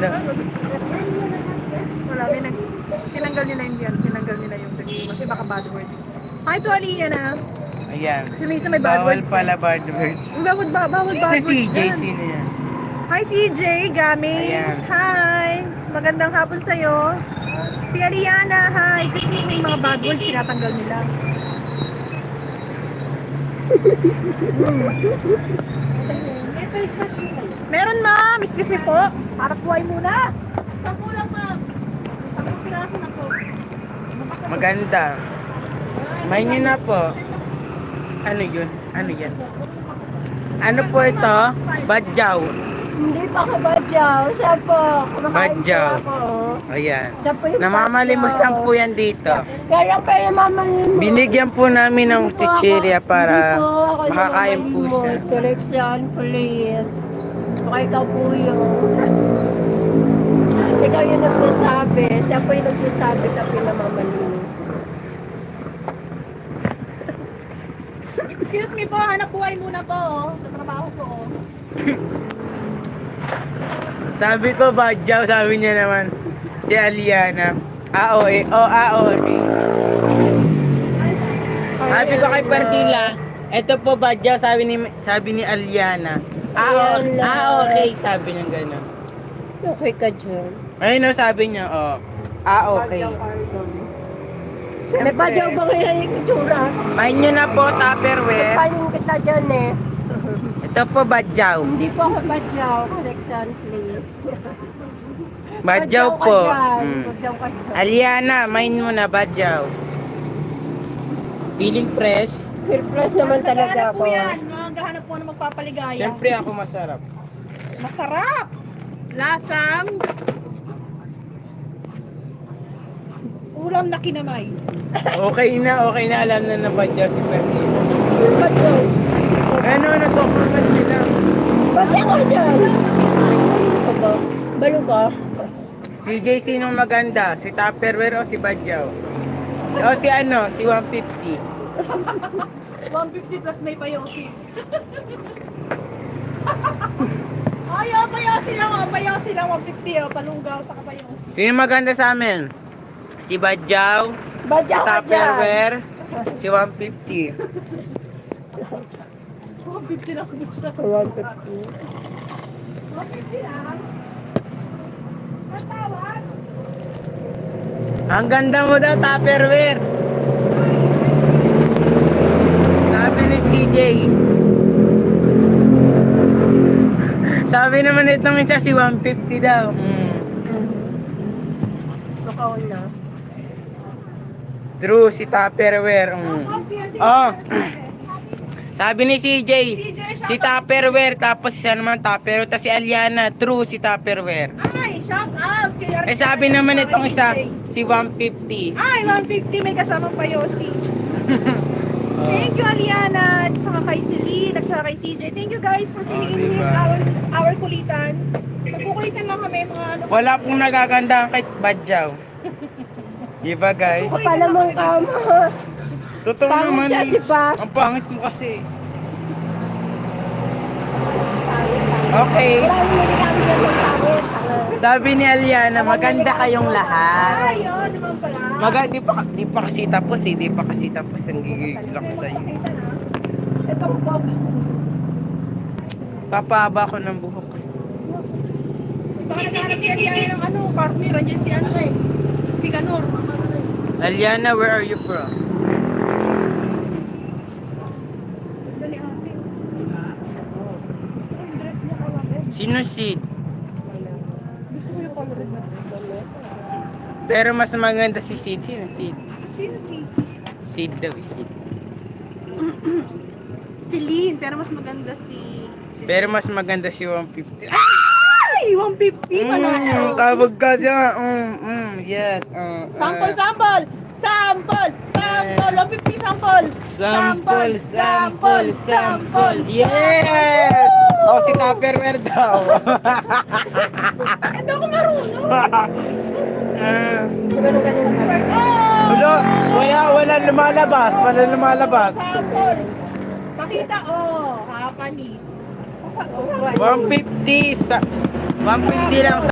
Ano? Wala, tinanggal nila yung yan. Tinanggal nila yung review kasi baka bad words. Hi to Aliyah na. Ayan. Si Misa may bad Bawal words. pala bad words. Bawal bad Si words CJ, dyan. sino yan? Hi CJ, Gamings. Ayan. Hi. Magandang hapon sa'yo. Si Ariana, hi. Kasi may mga bad words sinatanggal nila. Meron ma'am. Excuse me po. Harap buhay muna. Sampu lang ma'am. 10 piraso na po. Maganda. May nyo na po. Ano yun? Ano yan? Ano po ito? Badyaw. Hindi pa ka badyaw. Siya po. Kumakain Badyaw. po ako. Ayan. Siya po yung Namamalimos badyaw. lang po yan dito. Kaya pa yung mamalimos. Binigyan po namin ng Hindi po chichirya ako- para hindi po ako makakain po siya. namamalimos. Correction, please. Baka ikaw po yun. Ikaw yung nagsasabi. Siya po yung nagsasabi sa pinamamalimos. Excuse me po. Hanap buhay muna po. Sa trabaho po. Sabi ko badyaw, sabi niya naman. Si Aliana. Okay. Sabi ko kay Parsila, eto po badyaw, sabi ni Aliana. Okay, sabi niya gano'n. Okay ka dyan. Ayun o, sabi niya, okay. May badyaw ba kaya yung itsura? Main nyo na po, Tupperware. Panin kita dyan eh. Ito po badyaw. Hindi po ako badyaw. Correction, please. Badyaw po. Badyaw ka dyan. Aliana, main mo na badyaw. Feeling fresh. Peer plus naman talaga Naghahanap ako. po yan. Maghahanap po ng magpapaligaya. Siyempre ako masarap. Masarap! Lasang ulam na kinamay. Okay na alam na badyaw si Parsila. Badyaw. Ano, nagkukumat sila. Badyaw ka dyan. Balo ka. Si JC nung maganda, si Tupperware o si badyaw? O si ano, si 150. 150 plus may payosi. Ay, payosi lang. Payosi lang. 150. Palunggaw sa kapayosi. Sino maganda sa amin? Si badyaw, si Badyaw ka dyan. Tupperware, si 150. 150 lang po siya. 150. 150 lang. Matawad. Ang ganda mo daw, Tupperware. Sabi ni CJ. Sabi naman itong isa si 150 daw. Makaon na. True, si Tupperware. Oh. Sabi ni CJ, si Tupperware, tapos siya naman Tupperware, tapos si Aliana, true, si Tupperware. Ay, shout out. Eh sabi naman itong isa, si 150. Ay, 150 may kasamang payosi. Thank you, Aliana. At saka kay Celine, at saka kay CJ. Thank you guys for tuning in diba? our kulitan. Magkukulitan lang kami mga ano. Wala pong nagaganda kay Badyaw. Diba guys? Pala mong kama. Totoo Pangit naman siya, eh. diba? Ang pangit mo kasi. Okay. Wala naman kami dyan ng pangit. Sabi ni Aliana, maganda kayong lahat. Ay, yun naman pala. Di pa kasi tapos eh. Di pa kasi tapos ang gigigil ako sa'yo. Magpakita na. Itong pop. Papahaba ko ng buhok. Baka naghahanap si Aliana ng ano, partner. Andiyan si ano eh. Si Ganor. Aliana, where are you from? Dali ate. Gusto ko yung dress niya kawagin. Sino Sid? Gusto ko yung colored na dress. Pero mas maganda si Sid. Sino Sid? Sino si? Sid daw, Sid. Si Lynn, pero mas maganda si Pero mas maganda si 150. Ay! 150 pala. Tawag ka dyan. Yes. Sample, sample! Sample! Sample! 150 sample! Sample. Yes! Oh, si Tupperware daw. Hindi ako marunong! Wala lumalabas. Sample! Pakita, Japanese. 150 lang